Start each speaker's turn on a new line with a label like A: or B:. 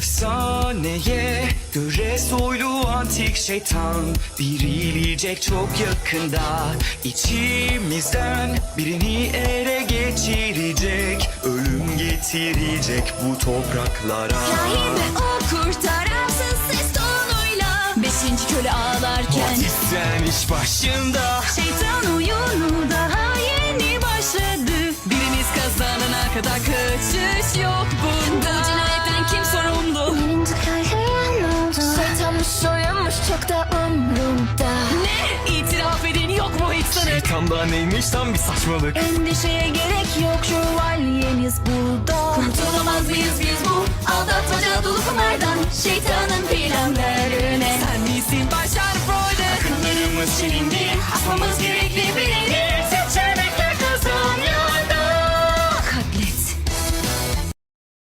A: Efsaneye göre soylu antik şeytan dirilecek çok yakında. İçimizden birini ele geçirecek, ölüm getirecek bu topraklara.
B: Kahin ve o kurtaransız ses tonuyla beşinci köle ağlarken
A: Batisten iş başında.
B: şeytan oyunu daha yeni başladı. Birimiz kazanana kadar kaçış yok bunda. Bu cinayetten kim sorumlu?
C: Birinci kahraman oldu. Şeytanmış soyunmuş çok da umrumda.
B: Ne? İtiraf edin yok mu hiç sanık?
A: Şeytanda neymiş tam bir saçmalık.
C: Endişeye gerek yok, şövalyeniz burada.
B: Kurtulamaz mıyız biz bu aldatmaca dolu kumardan? Şeytanın planlarına sen misin başar Freud'u?
A: Akıllarımız senin